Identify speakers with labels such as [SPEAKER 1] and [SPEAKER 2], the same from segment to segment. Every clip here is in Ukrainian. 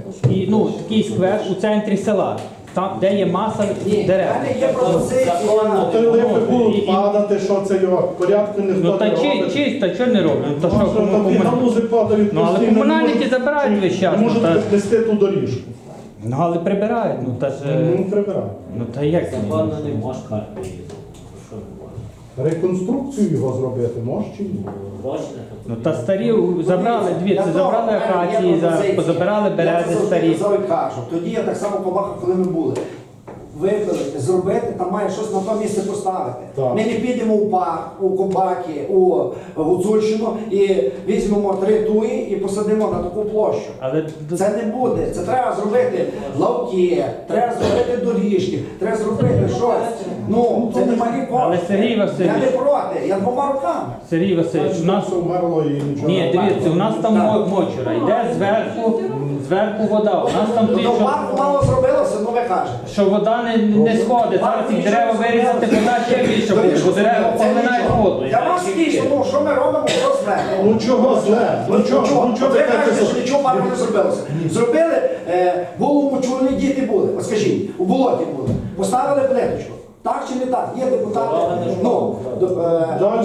[SPEAKER 1] і, ну, такий сквер у центрі села, там, де є маса дерев.
[SPEAKER 2] Є пропозиція.
[SPEAKER 3] Ти липи будуть падати, що це його порядку ніхто
[SPEAKER 1] Ну
[SPEAKER 3] не
[SPEAKER 1] та
[SPEAKER 3] робить.
[SPEAKER 1] чисто, чого не роблять? То що,
[SPEAKER 3] Там і галузи падають
[SPEAKER 1] Ну, але
[SPEAKER 3] постійно,
[SPEAKER 1] комунальники
[SPEAKER 3] не можуть-
[SPEAKER 1] забирають весь час,
[SPEAKER 3] Не можуть
[SPEAKER 1] ну, та-
[SPEAKER 3] піднести ту доріжку.
[SPEAKER 1] Ну, але прибирають, ну та ж...
[SPEAKER 3] Ну, прибирають.
[SPEAKER 1] Ну та як це?
[SPEAKER 4] Напевно, не можеш карти їздити. Що не можеш?
[SPEAKER 3] Реконструкцію його зробити можеш чи ні?
[SPEAKER 4] Гроші
[SPEAKER 1] Ну та старі забрали, дивіться, забрали акації, позабирали берези старі.
[SPEAKER 2] Я це кажу. Тоді я так само побачив, коли ми були. Випилити, зробити, там має щось на то місце поставити.
[SPEAKER 3] Так.
[SPEAKER 2] Ми не підемо у парк, у Кобаки, у Гуцульщину і візьмемо 3 туї і посадимо на таку площу.
[SPEAKER 1] Але
[SPEAKER 2] Це не буде. Це треба зробити лавки, треба зробити доріжки, треба зробити щось. Ну, це не малі кошти.
[SPEAKER 1] Але Сергій Васильович-
[SPEAKER 2] Я не проти, я 2 руками.
[SPEAKER 1] Сергій Васильович, у нас...
[SPEAKER 3] Все вмерло і нічого.
[SPEAKER 1] Ні, дивіться, у нас там мочура, йде зверху вода, у нас там
[SPEAKER 2] До
[SPEAKER 1] ті, що...
[SPEAKER 2] парку мало зробилося, ну ви кажете.
[SPEAKER 1] Що вода не сходить, зараз ці дерева вирізати, вода ще більше буде, бо дерева поглинають воду.
[SPEAKER 2] Я вас тішу, ну що ми робимо, що зле?
[SPEAKER 3] Ну чого зле? Ну чого
[SPEAKER 2] Ви
[SPEAKER 3] ви
[SPEAKER 2] кажете,
[SPEAKER 3] кажете?
[SPEAKER 2] що нічого парку не зробилося. Зробили, було мочурні діти були, от скажіть, у болоті були. Поставили плиточку. Так чи не так? Є депутати, ну,
[SPEAKER 3] Далі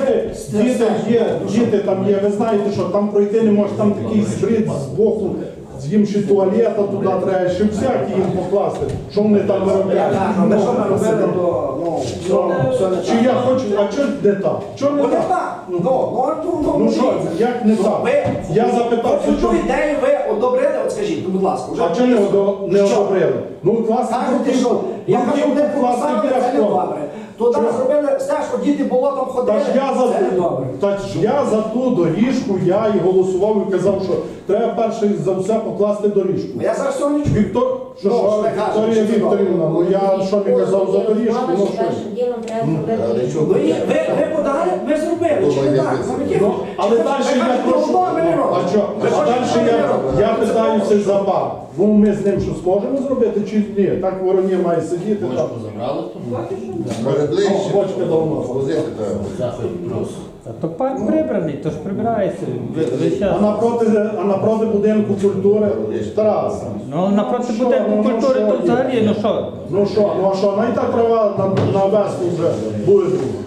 [SPEAKER 3] діти там є, ви знаєте, що там пройти не може, там такий збрід з боку, їм ще туалета туди треба, ще всякі їм покласти. Що вони там виробляють?
[SPEAKER 2] Ми що ми робили, то, ну, все не
[SPEAKER 3] Чи я хочу, а чого не так? Чого не
[SPEAKER 2] Вони
[SPEAKER 3] так?
[SPEAKER 2] так.
[SPEAKER 3] Ну що, як не так? Я запитав,
[SPEAKER 2] цю
[SPEAKER 3] чому?
[SPEAKER 2] ідею ви одобрили, от скажіть, будь ласка.
[SPEAKER 3] А чого не одобрили? Ну, класно.
[SPEAKER 2] Кажете, що я кажу, не поставили, це не добре. Туди зробили стежку, діти болотом ходили, це не добре.
[SPEAKER 3] Та ж я за ту доріжку, я і голосував і казав, що треба перше за все покласти доріжку.
[SPEAKER 2] Я зараз цього не чую.
[SPEAKER 3] Віктор, що,
[SPEAKER 2] Ну,
[SPEAKER 3] що,
[SPEAKER 2] що ви кажете,
[SPEAKER 3] Вікторія
[SPEAKER 2] що це
[SPEAKER 3] Вікторівна, ну я що не казав за доріжку, ну що?
[SPEAKER 5] Першим ділом треба зробити.
[SPEAKER 2] Ви подали, ми зробили, чи не так?
[SPEAKER 3] Ну, але далі я прошу, а що, далі я питаюся за парк. Ну ми з ним що зможемо зробити чи ні? Так вороні має сидіти там.
[SPEAKER 6] Бочку забрали тут? Ближче.
[SPEAKER 3] Бочка давно.
[SPEAKER 6] Возити треба.
[SPEAKER 4] Заходь плюс.
[SPEAKER 1] То парк прибраний, то ж прибирається. весь час.
[SPEAKER 3] А напроти будинку культури Тараса.
[SPEAKER 1] Ну напроти
[SPEAKER 3] Що,
[SPEAKER 1] будинку
[SPEAKER 3] ну,
[SPEAKER 1] культури,
[SPEAKER 3] що
[SPEAKER 1] то
[SPEAKER 3] є?
[SPEAKER 1] взагалі, ну що?
[SPEAKER 3] Ну що, навіть так трава на весну вже буде друга.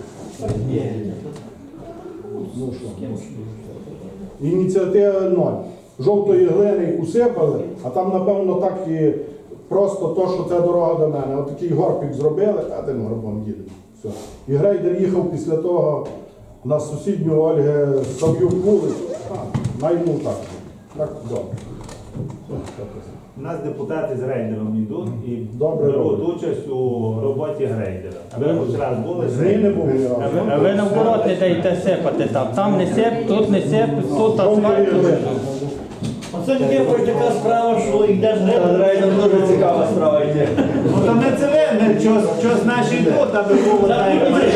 [SPEAKER 3] Ну що? Ініціатива 0. Жовтої глини усипали, а там, напевно, так і просто то, що це дорога до мене. Отакий горбик зробили, а тим горбом їдемо. Все. І грейдер їхав після того на сусідню Ольги Сав'юк вулицю. Найму так. Так, добре.
[SPEAKER 7] У нас депутати з рейдером йдуть і
[SPEAKER 3] Добре
[SPEAKER 7] беруть
[SPEAKER 3] роблять.
[SPEAKER 7] участь у роботі грейдера. Ви хоч раз були з
[SPEAKER 3] Зміни
[SPEAKER 7] рейдером?
[SPEAKER 3] були.
[SPEAKER 1] А ви наоборот не даєте сипати там. Там не сип, тут не сип, тут асфальт.
[SPEAKER 8] Оце таке така справа, що йдеш рейдом, дуже цікава справа йде.
[SPEAKER 7] Ну то не це ви, не щось наші йдуть, аби було так, як має.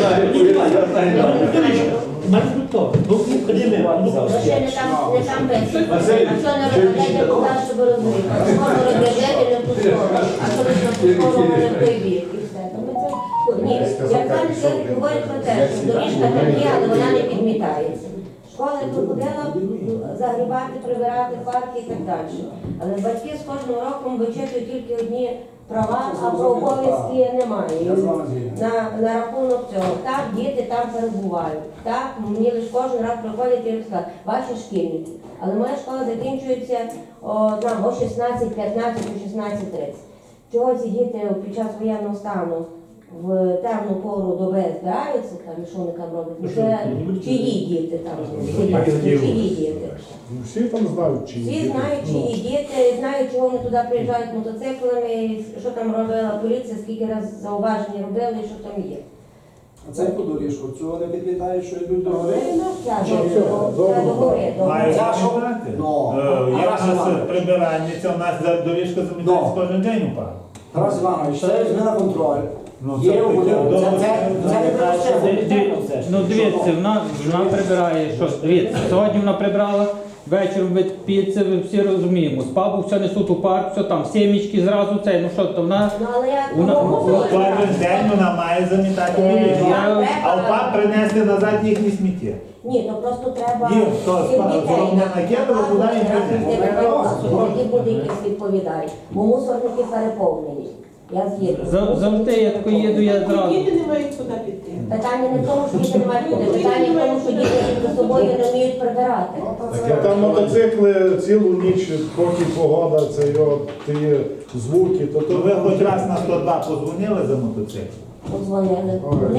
[SPEAKER 5] Ще не там пенсії. А що не розглядаєте поки, щоб розуміти? Школу розглядаєте не в ту сторону, а що ви в школу може в той бік і все. То ми це... Ні, як пан Сергій говорить про те, що доріжка там є, але вона не підмітається. Школа приходила загрібати, прибирати парки і так далі. Але батьки з кожним роком вичитують тільки одні права, а про обов'язки немає. На рахунок цього. Так, діти там перебувають. Так, мені лише кожен раз приходять і розказують, ваші шкільники. Але моя школа закінчується о 16:15, о 16:30. Чого ці діти під час воєнного стану в темну пору доби збираються там, і що вони там роблять? Ну, це чиї діти там сидять, чиї діти.
[SPEAKER 3] Всі там знають, чи
[SPEAKER 5] Всі знають, чиї діти, знають, чого вони туди приїжджають мотоциклами, і що там робила поліція, скільки разів зауваження робили і що там є.
[SPEAKER 2] А це яку доріжку? Цього не підлітають, що йдуть до гори?
[SPEAKER 5] Це до гори.
[SPEAKER 7] Мають
[SPEAKER 2] Я що?
[SPEAKER 7] замітати.
[SPEAKER 2] Ну,
[SPEAKER 7] Як
[SPEAKER 2] Тарас
[SPEAKER 7] у нас
[SPEAKER 2] Іванович.
[SPEAKER 7] прибиральниця, у нас доріжка замітається кожен день у парку.
[SPEAKER 2] Тарас Іванович, це візьми на контроль.
[SPEAKER 7] Ну,
[SPEAKER 2] Є
[SPEAKER 7] це
[SPEAKER 2] у будинку.
[SPEAKER 7] таке,
[SPEAKER 2] Це не просто.
[SPEAKER 1] Ну дивіться, вона прибирає, що дивіться, сьогодні вона прибрала, вечором від піци, ви всі розуміємо, з пабу все несуть у парк, все там, сімічки зразу цей, ну що, то вона...
[SPEAKER 5] Ну, але я
[SPEAKER 7] Кожен день вона має замітати доріжку. А в парк принести назад їхні сміття.
[SPEAKER 5] Ні, то просто треба
[SPEAKER 7] Їм, то
[SPEAKER 5] всіх дітей
[SPEAKER 7] головне накидали, туди і прийде.
[SPEAKER 5] тоді буде якийсь відповідальний. Бо мусорники переповнені. Я згідна.
[SPEAKER 1] Завжди я тако їду, я зразу.
[SPEAKER 9] Діти не мають куди піти.
[SPEAKER 5] Питання не в тому, що діти не мають куди. Питання в тому, що діти за собою не вміють прибирати.
[SPEAKER 3] Так, там мотоцикли цілу ніч, поки погода, це його ті звуки, то
[SPEAKER 7] То ви хоч раз на 102 позвонили за мотоцикл?
[SPEAKER 5] Подзвонили.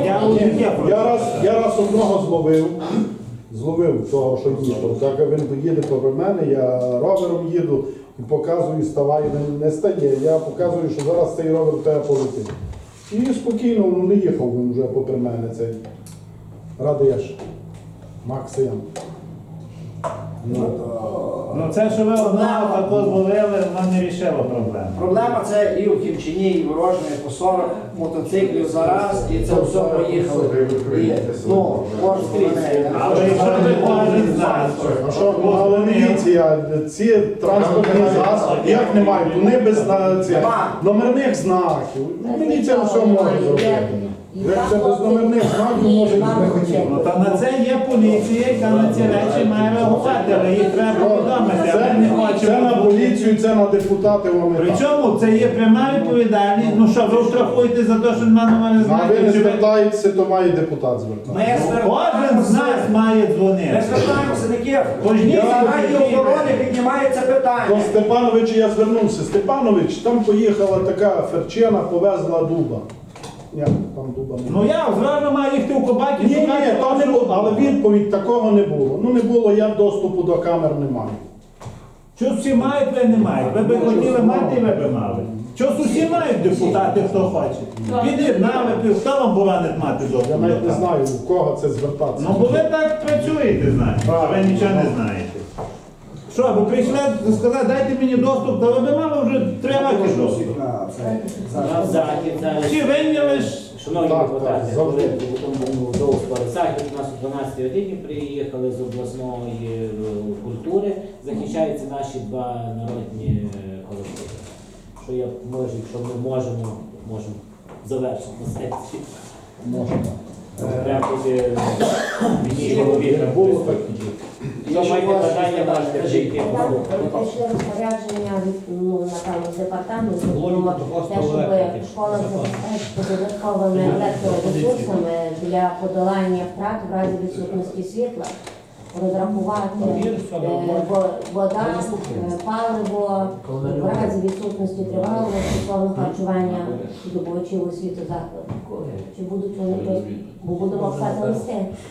[SPEAKER 3] Я раз одного зловив того, що їхав. Так він їде попри мене, я ровером їду і показую, ставай, він не стає. Я показую, що зараз цей ровер в тебе полетить. І спокійно не їхав він вже попри мене цей Радеш. Максим.
[SPEAKER 7] Ну це, що ви одного тако зловили, воно не рішило проблему.
[SPEAKER 2] Проблема це і в Кімчині, і в Ворожні, по 40 мотоциклів зараз, і це все поїхало. І, ну, кожен мене.
[SPEAKER 7] Але якщо ви кожен з нас,
[SPEAKER 3] А що, ну, але дивіться, ці транспортні засоби, як не мають, вони без номерних знаків. Міліція все може зробити. Як це без номерних знаків може бути?
[SPEAKER 7] ну та на це є поліція, яка на ці речі має реагувати, але їх треба повідомити, а ми не
[SPEAKER 3] Це на
[SPEAKER 7] хочемо.
[SPEAKER 3] поліцію, це на депутатів.
[SPEAKER 7] Причому це є пряма відповідальність. Ну що, ви штрафуєте за те, що немає номерних
[SPEAKER 3] А ви не
[SPEAKER 7] знаків? Чи ви-
[SPEAKER 3] звертаєтеся, то має депутат звертатися.
[SPEAKER 2] Ми
[SPEAKER 7] Кожен з нас має
[SPEAKER 2] Ми
[SPEAKER 7] дзвонити.
[SPEAKER 2] звертаємося на Київ.
[SPEAKER 7] Кожній
[SPEAKER 2] Раді охорони піднімається
[SPEAKER 3] До
[SPEAKER 2] питання.
[SPEAKER 3] Степановича я звернувся. Степанович, там поїхала така ферчина, повезла дуба. Ні, там дуба не було.
[SPEAKER 7] Ну я зразу маю їхати у кобаті,
[SPEAKER 3] Ні,
[SPEAKER 7] шукати
[SPEAKER 3] там не було, але відповідь такого не було. Ну не було, я доступу до камер не маю.
[SPEAKER 7] Що всі мають, ви не маєте. Ви б хотіли мати, ви б мали. Що усі мають депутати, хто хоче. Під'єднали, хто вам боронить мати
[SPEAKER 3] Я
[SPEAKER 7] доступ?
[SPEAKER 3] навіть
[SPEAKER 7] до
[SPEAKER 3] не
[SPEAKER 7] камер?
[SPEAKER 3] знаю, у кого це звертатися.
[SPEAKER 7] Ну бо ви так працюєте, знаєте, а ви нічого не знаєте. Що, ви прийшли сказати, дайте мені доступ, та ви б мали вже 3 роки доступ. Чи вийняли ж?
[SPEAKER 4] Шановні
[SPEAKER 3] Так,
[SPEAKER 4] депутати,
[SPEAKER 3] так, завжди.
[SPEAKER 4] коли був довгий захід у нас о 12 годині приїхали з обласної культури, захищаються наші 2 народні колективи. Що я можу, якщо ми можемо завершити на сесії. Треба буде мені голові
[SPEAKER 3] Було так.
[SPEAKER 4] Якщо маєте питання, можете прийти.
[SPEAKER 5] Прийшли розпорядження ну, напевно, з департаменту про те, щоб школа забезпечити додатковими електроресурсами для подолання втрат в разі відсутності світла, розрахувати вода, паливо, в разі відсутності тривалого стосовно харчування здобувачів освіти закладу. Чи будуть вони просто, бо будемо писати листи?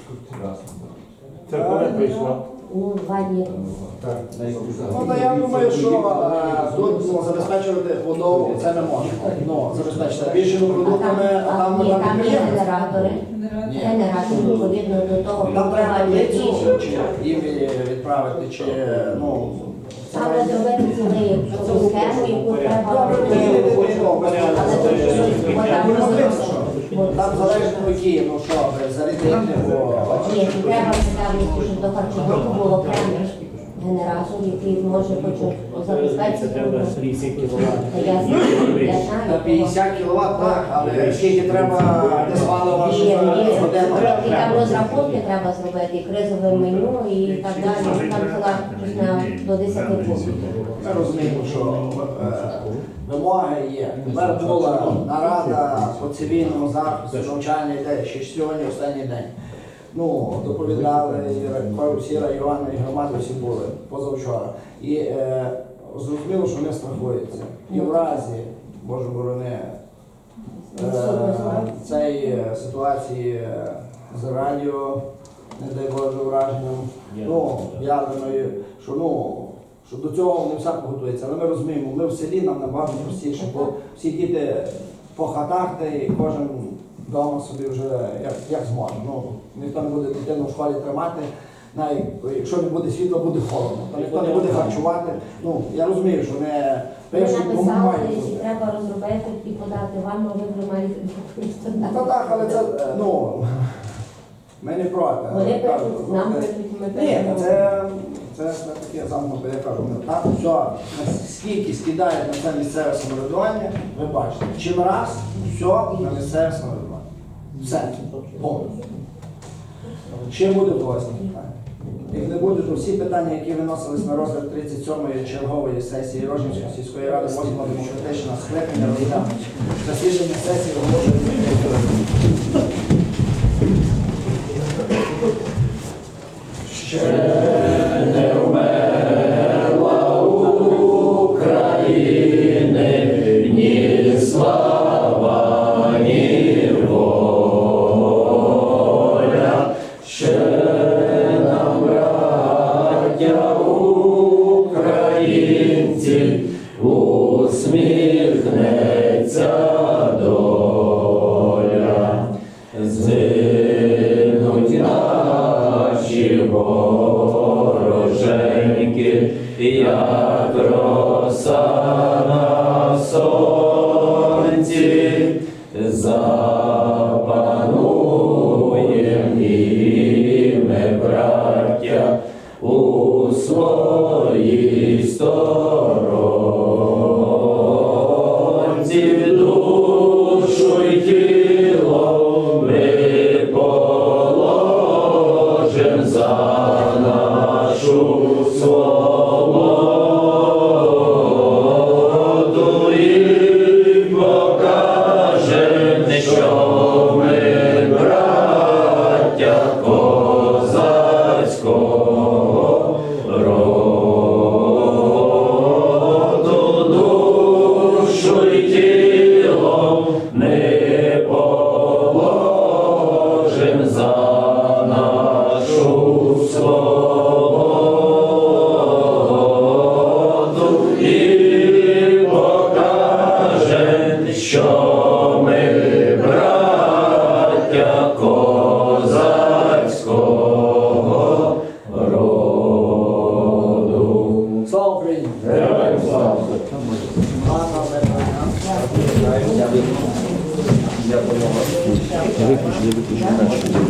[SPEAKER 7] Це коли прийшло?
[SPEAKER 5] Ну, 2 дні.
[SPEAKER 2] Ну, та я думаю, що тут забезпечувати водою це не можна. Ну, забезпечити більшими продуктами, а там
[SPEAKER 5] Ні, там є
[SPEAKER 2] підприємство.
[SPEAKER 5] генератори. Генератори, відповідно до того,
[SPEAKER 2] Там треба
[SPEAKER 5] які
[SPEAKER 2] таблицю, чи їм відправити, чи, ну,
[SPEAKER 5] саме зробити цілий схему, яку треба робити. Але тут щось вода
[SPEAKER 2] там залежно які, ну що, зарядити, бо...
[SPEAKER 5] Ні, треба цікавості, щоб до харчового було окремий генератор, який може хоч забезпечити.
[SPEAKER 4] Треба 50 кВт.
[SPEAKER 5] Я
[SPEAKER 2] На
[SPEAKER 5] знаю,
[SPEAKER 2] 50 кВт, так, але скільки треба десь палива, щоб годину.
[SPEAKER 5] і там розрахунки треба зробити, і кризове меню, і так далі. Там ціла до 10 пунктів.
[SPEAKER 2] Ми розуміємо, що вимоги є. Тепер була нарада по цивільному захисту, навчальний день, ще сьогодні останній день. Ну, доповідали, і всі райони, і громади всі були позавчора. І зрозуміло, що вони страхуються. І в разі, Боже борони, цієї ситуації з радіо, не дай Боже, враженням, ну, ядерною, що, ну, що до цього вони всяко готуються. Але ми розуміємо, ми в селі, нам набагато простіше, бо всі діти по хатах, та й кожен вдома собі вже як зможе. Ну, ніхто не буде дитину в школі тримати, навіть якщо не буде світла, буде холодно, то ніхто не буде харчувати. Ну, я розумію, що не
[SPEAKER 5] Ми
[SPEAKER 2] пишуть,
[SPEAKER 5] написали,
[SPEAKER 2] мають.
[SPEAKER 5] і треба розробити і подати вам, а ви приймаєте відповідь.
[SPEAKER 2] Ну так, але це, ну, ми не проти.
[SPEAKER 5] Вони
[SPEAKER 2] але кажу,
[SPEAKER 5] пишуть, нам пишуть, ми
[SPEAKER 2] Ні,
[SPEAKER 5] пишемо.
[SPEAKER 2] це таке замкнуте, я кажу, ми так, все, скільки скидають на це місцеве самоврядування, ви бачите, чим раз, все на місцеве самоврядування. Все, повністю. Ще буде до вас питання. Як не буде, то всі питання, які виносились на розгляд 37-ї чергової сесії Рожнівської сільської ради 8-го демократичного скликання розглянути. Засідання сесії оголошується відкритою. Слава Україні! Гарного вечора.